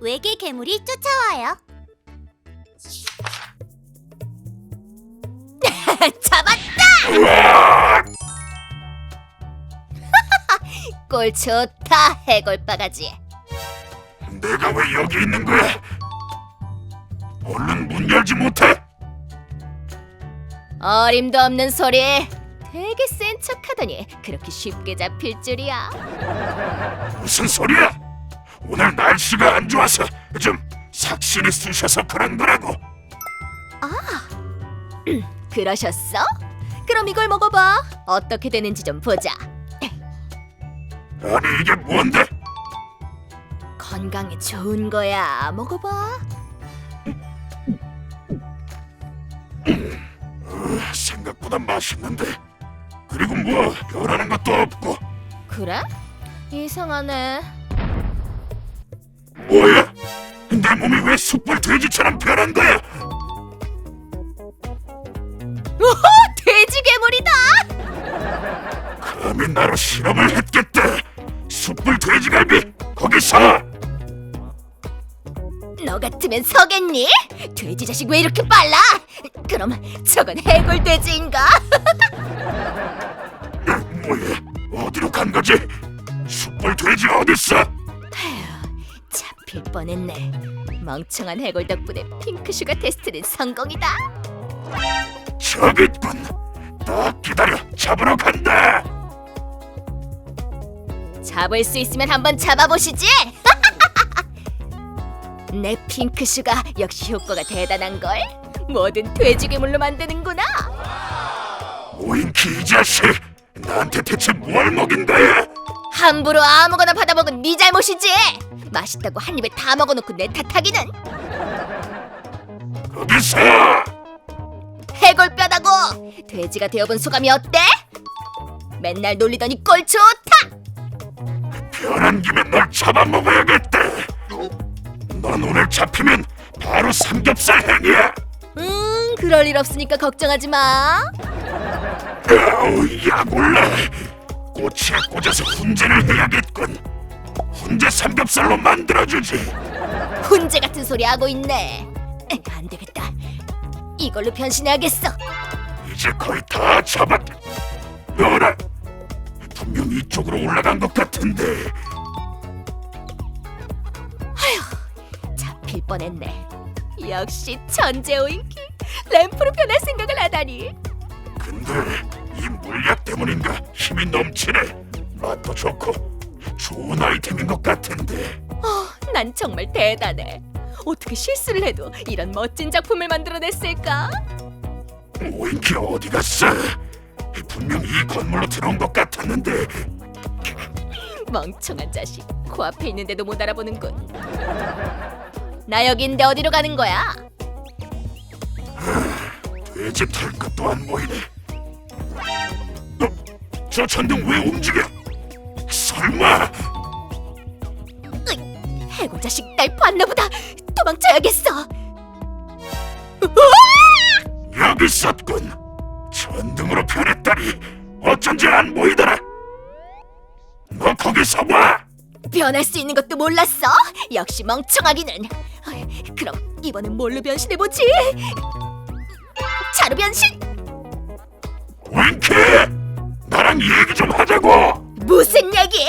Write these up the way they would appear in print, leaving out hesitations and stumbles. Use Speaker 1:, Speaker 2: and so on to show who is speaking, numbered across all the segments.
Speaker 1: 외계 괴물이 쫓아와요. 잡았다! 꼴 좋다, 해골바가지.
Speaker 2: 내가 왜 여기 있는 거야? 얼른 문 열지 못해?
Speaker 1: 어림도 없는 소리. 되게 센 척하더니 그렇게 쉽게 잡힐 줄이야.
Speaker 2: 무슨 소리야? 오늘 날씨가 안 좋아서 좀 삭신이 쑤셔서 그런 거라고.
Speaker 1: 그러셨어? 그럼 이걸 먹어봐. 어떻게 되는지 좀 보자.
Speaker 2: 아니 이게 뭔데?
Speaker 1: 건강에 좋은 거야. 먹어봐.
Speaker 2: 생각보다 맛있는데. 그리고 뭐 변하는 것도 없고.
Speaker 1: 그래? 이상하네.
Speaker 2: 뭐야? 내 몸이 왜 숯불 돼지처럼 변한 거야?
Speaker 1: 오호! 돼지 괴물이다!
Speaker 2: 감히 나로 실험을 했겠다. 숯불 돼지갈비 거기서.
Speaker 1: 너 같으면 서겠니? 돼지 자식 왜 이렇게 빨라? 그럼 저건 해골 돼지인가?
Speaker 2: 뭐야? 어디로 간 거지? 숯불 돼지 어딨어?
Speaker 1: 잡힐 뻔했네. 멍청한 해골 덕분에 핑크슈가 테스트는 성공이다.
Speaker 2: 저기 있군. 딱 기다려. 잡으러 간다.
Speaker 1: 잡을 수 있으면 한번 잡아보시지. 내 핑크슈가 역시 효과가 대단한걸. 뭐든 돼지 괴물로 만드는구나.
Speaker 2: 오인키 이 자식. 나한테 대체 뭘 먹인 거야?
Speaker 1: 함부로 아무거나 받아먹은 네 잘못이지. 맛있다고 한 입에 다 먹어놓고 내 탓하기는.
Speaker 2: 거기서.
Speaker 1: 해골뼈다고. 돼지가 되어본 소감이 어때? 맨날 놀리더니 꼴 좋다.
Speaker 2: 변한 김에 널 잡아먹어야겠다. 넌 오늘 잡히면 바로 삼겹살 행이야.
Speaker 1: 그럴 일 없으니까 걱정하지 마.
Speaker 2: 아우 야골라. 꼬치에 꽂아서 훈제를 해야겠군. 훈제 삼겹살로 만들어주지.
Speaker 1: 훈제 같은 소리 하고 있네. 안 되겠다. 이걸로 변신해야겠어.
Speaker 2: 이제 거의 다 잡았. 너라. 분명 이쪽으로 올라간 것 같은데.
Speaker 1: 잡힐 뻔했네. 역시 천재 오인키. 램프로 변할 생각을 하다니.
Speaker 2: 근데 이 물약 때문인가 힘이 넘치네. 맛도 좋고 좋은 아이템인 것 같은데.
Speaker 1: 난 정말 대단해. 어떻게 실수를 해도 이런 멋진 작품을 만들어냈을까?
Speaker 2: 오인키 어디 갔어? 분명 이 건물로 들어온 것 같았는데.
Speaker 1: 멍청한 자식. 코앞에 있는데도 못 알아보는군. 나 여긴데 어디로 가는 거야?
Speaker 2: 돼지 털 것도 안 보이네. 저 전등 왜 움직여? 설마.
Speaker 1: 해골 자식 날 봤나 보다. 도망쳐야겠어.
Speaker 2: 여기 있었군. 전등으로 변했다니. 어쩐지 안 보이더라. 너 거기서 봐.
Speaker 1: 변할 수 있는 것도 몰랐어? 역시 멍청하기는. 그럼 이번엔 뭘로 변신해보지? 자루 변신?
Speaker 2: 윙키! 나랑 얘기 좀 하자고.
Speaker 1: 무슨 얘기?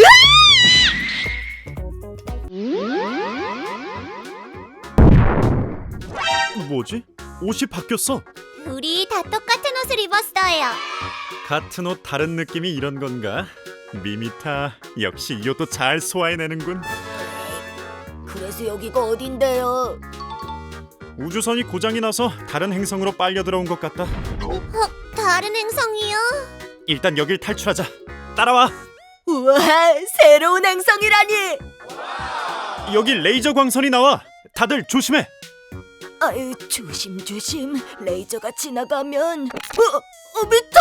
Speaker 3: 뭐지? 옷이 바뀌었어.
Speaker 1: 우리 다 똑같은 옷을 입었어요.
Speaker 3: 같은 옷 다른 느낌이 이런 건가? 미미타 역시 이 옷도 잘 소화해내는군.
Speaker 1: 그래서 여기가 어딘데요?
Speaker 3: 우주선이 고장이 나서 다른 행성으로 빨려 들어온 것 같다.
Speaker 1: 다른 행성이요?
Speaker 3: 일단 여길 탈출하자. 따라와.
Speaker 1: 우와, 새로운 행성이라니.
Speaker 3: 여기 레이저 광선이 나와. 다들 조심해.
Speaker 1: 아유, 조심. 레이저가 지나가면 미타!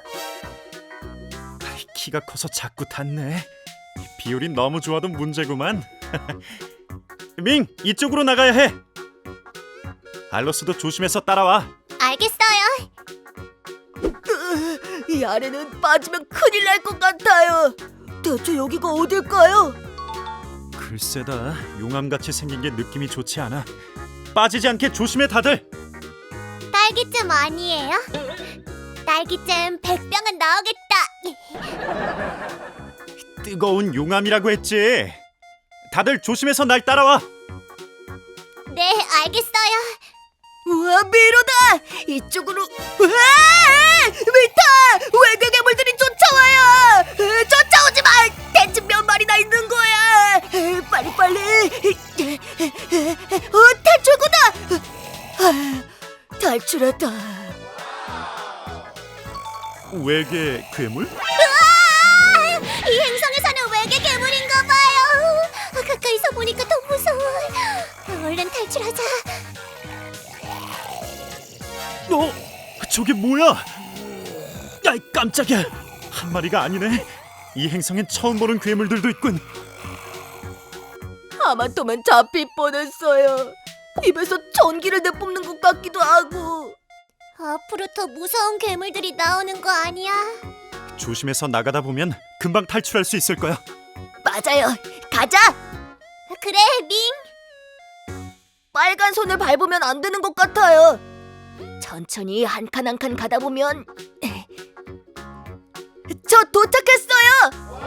Speaker 3: 키가 커서 자꾸 닿네. 비율이 너무 좋아도 문제구만. 밍, 이쪽으로 나가야 해. 알로스도 조심해서 따라와.
Speaker 1: 알겠어요. 이 아래는 빠지면 큰일 날 것 같아요. 대체 여기가 어딜까요?
Speaker 3: 글쎄다, 용암같이 생긴 게 느낌이 좋지 않아. 빠지지 않게 조심해 다들.
Speaker 4: 딸기잼 아니에요? 딸기잼 100병은 나오겠다.
Speaker 3: 뜨거운 용암이라고 했지. 다들 조심해서 날 따라와.
Speaker 4: 네, 알겠어요.
Speaker 1: 우와, 미로다! 이쪽으로. 우와! 미타! 외계 괴물들이 쫓아와요! 쫓아오지 마! 대체 몇 마리나 있는 거야? 빨리! 탈출구다! 탈출했다.
Speaker 3: 외계 괴물?
Speaker 4: 이 행성에 사는 외계 괴물인가 봐요. 가까이서 보니까 더 무서워. 얼른 탈출하자.
Speaker 3: 저게 뭐야? 아이 깜짝이야. 한 마리가 아니네. 이 행성엔 처음 보는 괴물들도 있군.
Speaker 1: 하마터면 잡힐 뻔했어요. 입에서 전기를 내뿜는 것 같기도 하고.
Speaker 4: 앞으로 더 무서운 괴물들이 나오는 거 아니야?
Speaker 3: 조심해서 나가다 보면 금방 탈출할 수 있을 거야.
Speaker 1: 맞아요. 가자.
Speaker 4: 그래, 밍.
Speaker 1: 빨간 손을 밟으면 안 되는 것 같아요. 천천히 한 칸 한 칸 가다 보면 저 도착했어요.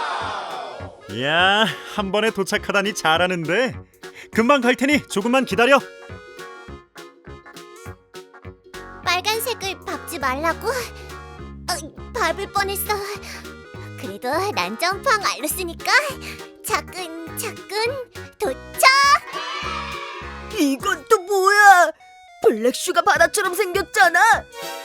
Speaker 3: 이야, 한 번에 도착하다니 잘하는데. 금방 갈 테니 조금만 기다려.
Speaker 4: 빨간색을 밟지 말라고? 밟을 뻔했어. 그래도 난 점프왕 알로스니까 차근차근 도착!
Speaker 1: 이건 또 뭐야? 블랙슈가 바다처럼 생겼잖아.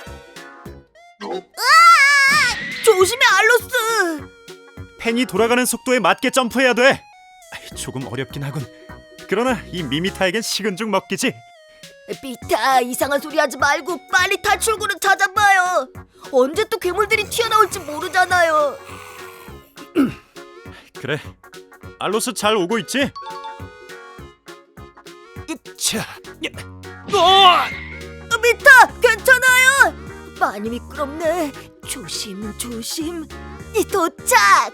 Speaker 1: 조심해, 알로스.
Speaker 3: 펜이 돌아가는 속도에 맞게 점프해야 돼. 조금 어렵긴 하군. 그러나 이 미미타에겐 식은 죽 먹기지.
Speaker 1: 비타, 이상한 소리 하지 말고 빨리 탈출구를 찾아봐요. 언제 또 괴물들이 튀어나올지 모르잖아요.
Speaker 3: 그래, 알로스 잘 오고 있지? 자,
Speaker 1: 비타, 괜찮아요? 많이 미끄럽네. 조심. 도착.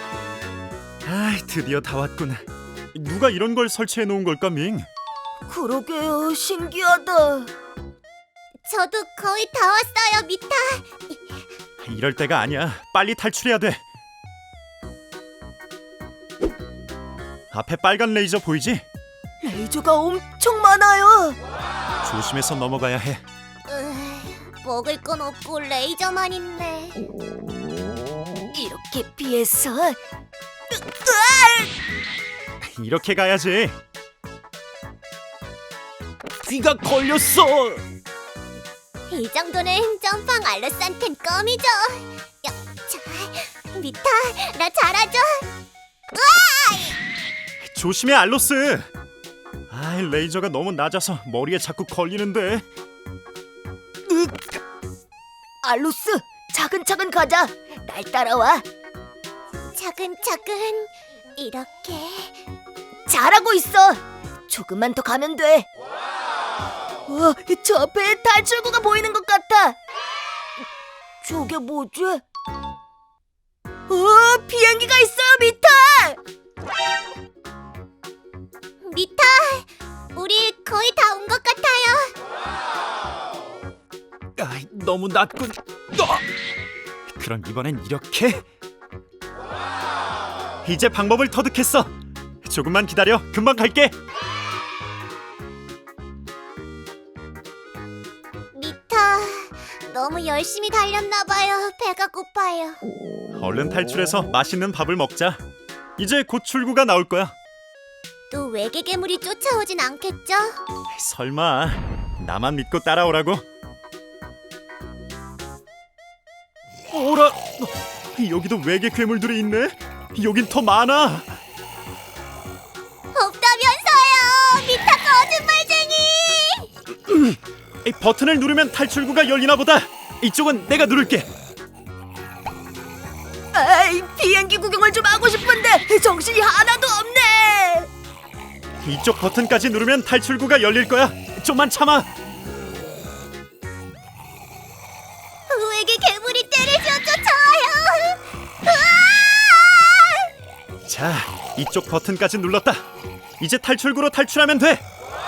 Speaker 3: 드디어 다 왔군. 누가 이런 걸 설치해 놓은 걸까, 밍?
Speaker 1: 그러게요, 신기하다.
Speaker 4: 저도 거의 다 왔어요, 미타.
Speaker 3: 이럴 때가 아니야. 빨리 탈출해야 돼. 앞에 빨간 레이저 보이지?
Speaker 1: 레이저가 엄청 많아요.
Speaker 3: 조심해서 넘어가야 해.
Speaker 4: 먹을 건 없고 레이저만 있네.
Speaker 1: 이렇게 피해서.
Speaker 3: 이렇게 가야지. 귀가 걸렸어.
Speaker 4: 이 정도는 점프왕 알로스한텐 껌이죠. 자, 미타, 나 잘하죠?
Speaker 3: 조심해, 알로스. 레이저가 너무 낮아서 머리에 자꾸 걸리는데.
Speaker 1: 알로스, 차근차근 가자. 날 따라와.
Speaker 4: 차근차근 이렇게.
Speaker 1: 잘하고 있어. 조금만 더 가면 돼. 와, 저 앞에 탈출구가 보이는 것 같아. 저게 뭐지? 비행기가 있어요, 미타.
Speaker 4: 미타, 우리 거의 다 온 것 같아요.
Speaker 3: 너무 낮군. 그럼 이번엔 이렇게. 이제 방법을 터득했어. 조금만 기다려. 금방 갈게.
Speaker 4: 미타, 너무 열심히 달렸나 봐요. 배가 고파요.
Speaker 3: 얼른 탈출해서 맛있는 밥을 먹자. 이제 곧 출구가 나올 거야.
Speaker 4: 또 외계 괴물이 쫓아오진 않겠죠?
Speaker 3: 설마. 나만 믿고 따라오라고. 오라. 여기도 외계 괴물들이 있네. 여긴 더 많아.
Speaker 4: 없다면서요. 미타 거짓말쟁이.
Speaker 3: 버튼을 누르면 탈출구가 열리나 보다. 이쪽은 내가 누를게.
Speaker 1: 비행기 구경을 좀 하고 싶은데 정신이 하나도 없네.
Speaker 3: 이쪽 버튼까지 누르면 탈출구가 열릴 거야. 좀만 참아.
Speaker 4: 외계 괴물이 때리려 쫓아와요.
Speaker 3: 자, 이 이쪽 버튼까지 눌렀다. 이제 탈출구로 탈출하면 돼.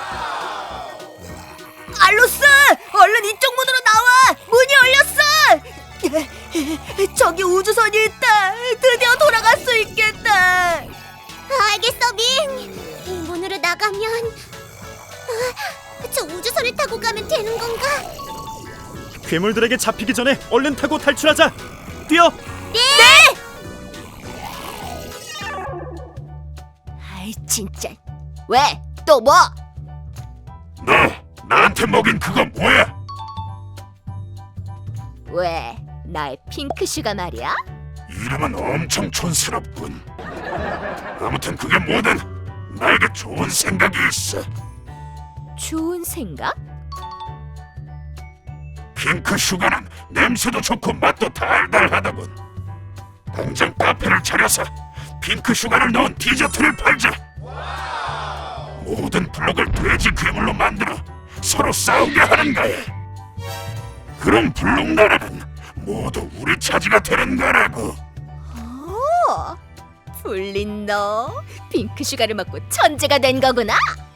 Speaker 1: 알로스, 얼른 이쪽 문으로 나와. 문이 열렸어. 저기 우주선이 있다. 드디어 돌아갈 수 있겠다.
Speaker 4: 알겠어, 밍. 이 문으로 나가면 저 우주선을 타고 가면 되는 건가?
Speaker 3: 괴물들에게 잡히기 전에 얼른 타고 탈출하자. 뛰어.
Speaker 1: 아이 진짜. 왜? 또 뭐?
Speaker 2: 너 나한테 먹인 그거 뭐야?
Speaker 1: 왜? 나의 핑크 슈가 말이야?
Speaker 2: 이름은 엄청 촌스럽군. 아무튼 그게 뭐든 나에게 좋은 생각이 있어.
Speaker 1: 좋은 생각?
Speaker 2: 핑크 슈가는 냄새도 좋고 맛도 달달하다군. 당장 카페를 차려서 핑크 슈가를 넣은 디저트를 팔자. 모든 블록을 돼지 괴물로 만들어 서로 싸우게 하는 거야. 그럼 블록 나라는 모두 우리 차지가 되는 거라고.
Speaker 1: 오, 불린 너 핑크 슈가를 먹고 천재가 된 거구나.